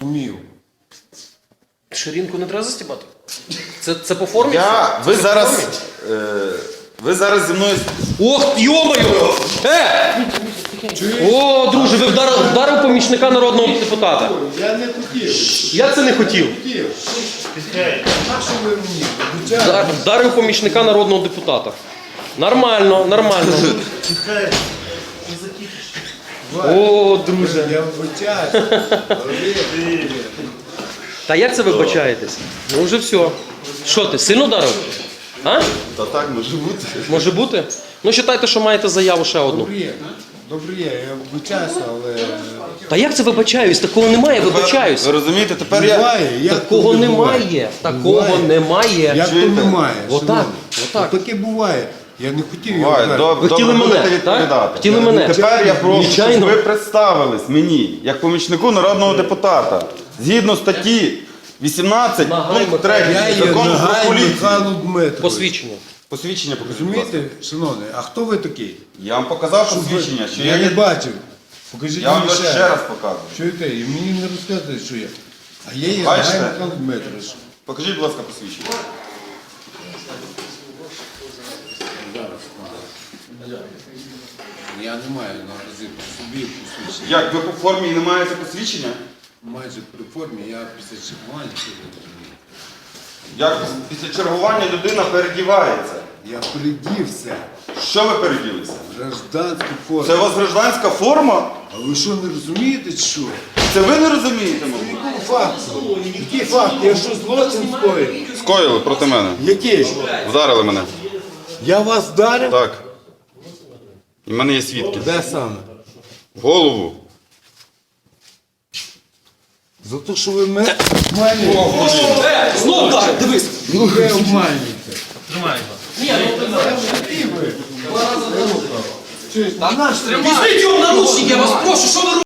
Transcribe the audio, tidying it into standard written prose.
зрозумів. Ширинку не треба застібати? Це по формі? Ви зараз зі мною... Ох, йомаю! О, друже, ви вдарив помічника народного депутата. Я не хотів. Я це не хотів. На що ви мені? Вдарив помічника народного депутата. Нормально, нормально. О, друже. Я вибачаюсь. Та як це ви вибачаєтесь? Ну вже все. Що ти, сильно вдарив? А? Та так, може бути. Може бути? Ну, вважайте, що маєте заяву ще одну. Добре, я вибачаюся, але... Та як це вибачаюсь? Такого немає, вибачаюсь. Ви розумієте, тепер я... Буває, як Такого то не буває? немає. Такого Буває. немає. Як то немає? Отак, шановні? отак. Таке буває. Я не хотів його Ой, вдарити. Ви хотіли добре, будете мене, відповідати. так? Хотіли мене. Тепер я прошу, щоб Звичайно. ви представились мені, як помічнику народного депутата. Згідно статті 18, Нагай пункт 3 Я є закону про Нагай поліцію. Михайло Дмитрович. Посвідчення. Посвідчення покажіть, будь ласка. Розумієте, шановний, а хто ви такий? Я вам показав посвідчення, що Я я не є... бачив. Покажіть Я вам мені ще раз показую. Чуєте, і мені не розказуєте, що я. А я є Бачите? Нагай Михайло Дмитрович. Покажіть, будь ласка, посвідчення. Я не маю наразі при собі посвідчення. Як, ви по формі не маєте посвідчення? Майже при формі, я після чергування сьогодні. Як після чергування людина передівається? Я придівся. Що ви переділися? Гражданську форму. Це у вас гражданська форма? А ви що, не розумієте, що? Це ви не розумієте, мабуть? Який факт? Який факт? Я що, злочин скоїв? Скоїли проти мене. Який? Вдарили мене. Я вас вдарив? Так. І в мене є свідки. Де саме? В голову. За те, що ви мене обманюєте. Знов вдарив, дивись. Ви обманюєте. Візьміть його в наручники, я вас прошу, що ви робите?